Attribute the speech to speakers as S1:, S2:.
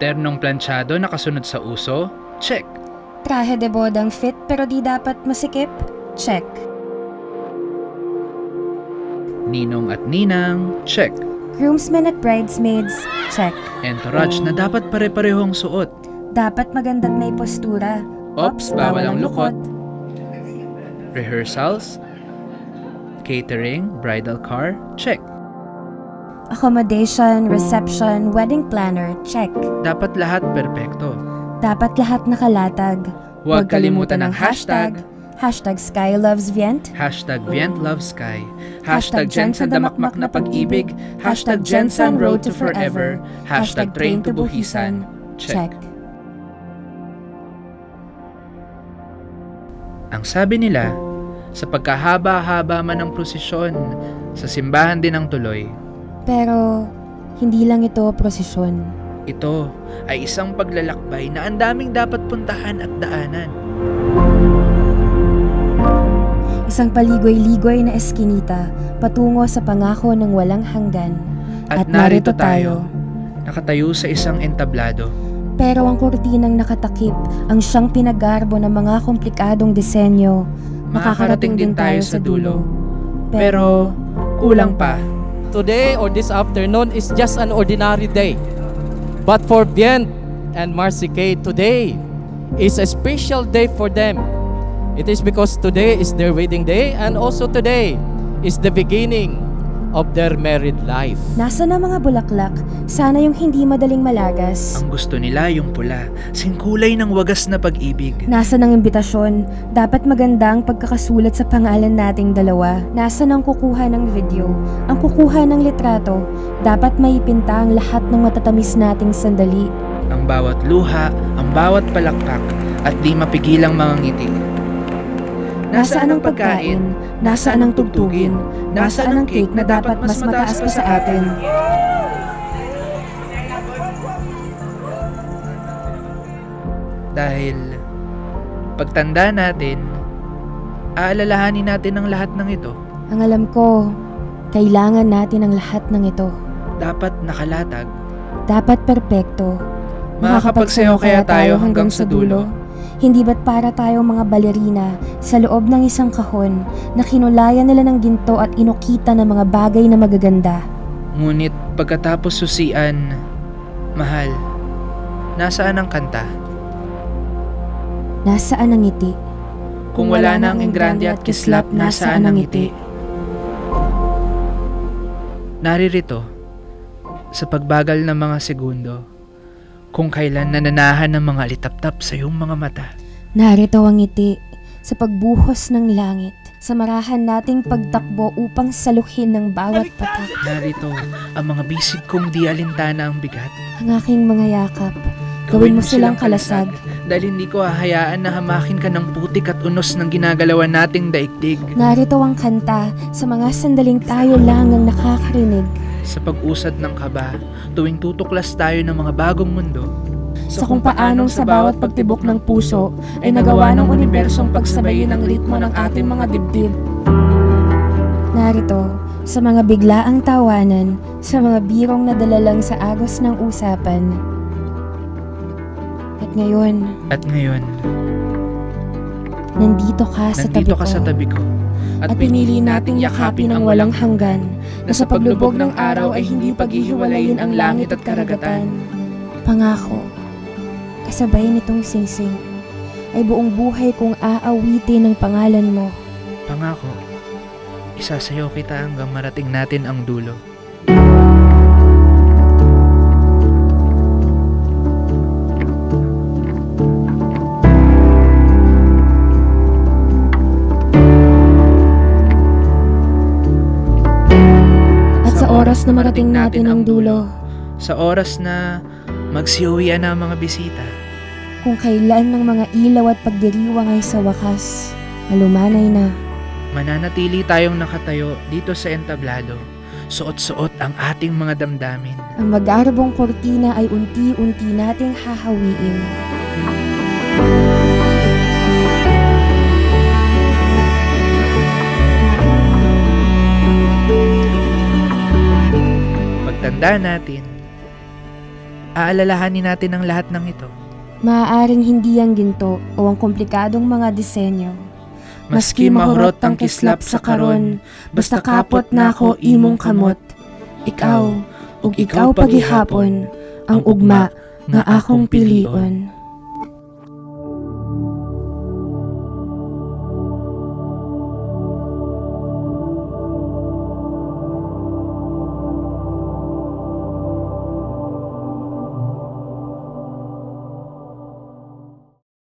S1: Ternong planchado na kasunod sa uso? Check.
S2: Trahe de bodang fit pero di dapat masikip? Check.
S1: Ninong at ninang? Check.
S2: Groomsmen at bridesmaids? Check.
S1: Entourage na dapat pare-parehong suot?
S2: Dapat maganda't may postura.
S1: Ops, bawal ang lukot. Rehearsals? Catering? Bridal car? Check.
S2: Accommodation, reception, wedding planner? Check.
S1: Dapat lahat perpekto.
S2: Dapat lahat nakalatag.
S1: Huwag kalimutan ng hashtag.
S2: Hashtag SkyLovesVient.
S1: Hashtag VientLoveSky. Hashtag Jensen Damakmak na pag-ibig. Hashtag Jensen Road to Forever. Hashtag Train to Buhisan. Check. Ang sabi nila, sa pagkahaba-haba man ng prosesyon, sa simbahan din ang tuloy.
S2: Pero, hindi lang ito prosesyon.
S1: Ito ay isang paglalakbay na ang daming dapat puntahan at daanan.
S2: Isang paligoy-ligoy na eskinita patungo sa pangako ng walang hanggan.
S1: At narito tayo, nakatayo sa isang entablado.
S2: Pero ang kurtinang nakatakip ang siyang pinagarbo ng mga komplikadong disenyo. Makakarating din tayo sa dulo.
S1: Pero kulang pa.
S3: Today or this afternoon is just an ordinary day. But for Vient and Marcy Kay, today is a special day for them. It is because today is their wedding day and also today is the beginning of their married life.
S2: Nasa na mga bulaklak, sana yung hindi madaling malagas.
S1: Ang gusto nila yung pula, singkulay ng wagas na pag-ibig.
S2: Nasa ng imbitasyon, dapat maganda ang pagkakasulat sa pangalan nating dalawa. Nasa ng kukuha ng video, ang kukuha ng litrato, dapat maipinta ang lahat ng matatamis nating sandali.
S1: Ang bawat luha, ang bawat palakpak, at di mapigilang mga ngiti.
S2: Nasaan ang pagkain? Nasaan ang tugtugin? Nasaan ang cake na dapat mas mataas pa sa atin?
S1: Dahil pagtanda natin, aalalahanin natin ang lahat ng ito.
S2: Ang alam ko, kailangan natin ang lahat ng ito.
S1: Dapat nakalatag.
S2: Dapat perpekto.
S1: Makakapagsayaw kaya tayo hanggang sa dulo?
S2: Hindi ba't para tayong mga balerina sa loob ng isang kahon na kinulayan nila ng ginto at inukita ng mga bagay na magaganda?
S1: Ngunit pagkatapos susian, mahal, nasaan ang kanta?
S2: Nasaan ang ngiti?
S1: Kung wala na ang engrande at kislap, nasaan ang ngiti? Naririto, sa pagbagal ng mga segundo, kung kailan nananahan ng mga litap-tap sa iyong mga mata.
S2: Narito ang ngiti sa pagbuhos ng langit, sa marahan nating pagtakbo upang saluhin ng bawat patak.
S1: Narito ang mga bisig kong di alintana ang bigat.
S2: Ang aking mga yakap, gawin mo silang kalasag.
S1: Dahil hindi ko hahayaan na hamakin ka ng putik at unos ng ginagalawan nating daigdig.
S2: Narito ang kanta sa mga sandaling tayo lang ang nakakarinig.
S1: Sa pag-usad ng kaba, tuwing tutuklas tayo ng mga bagong mundo.
S2: Sa kung paanong sa bawat pagtibok ng puso ay nagawa ng unibersong pagsabayin ang ritmo ng ating mga dibdib. Narito, sa mga biglaang tawanan, sa mga birong nadala lang sa agos ng usapan. At ngayon, nandito ka sa tabi ko. At pinili nating yakapin ang walang hanggan, na sa paglubog ng araw ay hindi paghihiwalayin ang langit at karagatan. Pangako, kasabay nitong singsing, ay buong buhay kong aawitin ang pangalan mo.
S1: Pangako, isasayaw kita hanggang marating natin ang dulo.
S2: Oras na marating natin ang dulo.
S1: Sa oras na magsiuwian na ang mga bisita.
S2: Kung kailan ng mga ilaw at pagdiriwang ay sa wakas, malumanay na.
S1: Mananatili tayong nakatayo dito sa entablado. Suot-suot ang ating mga damdamin.
S2: Ang magarbong kortina ay unti-unti nating hahawiin.
S1: Pagtanda natin, aalalahanin natin ang lahat ng ito.
S2: Maaaring hindi ang ginto o ang komplikadong mga disenyo.
S1: Maski mahurot ang kislap sa karon, basta kapot na ako imong kamot. Ikaw, ug ikaw pagihapon, ang ugma nga akong pilion.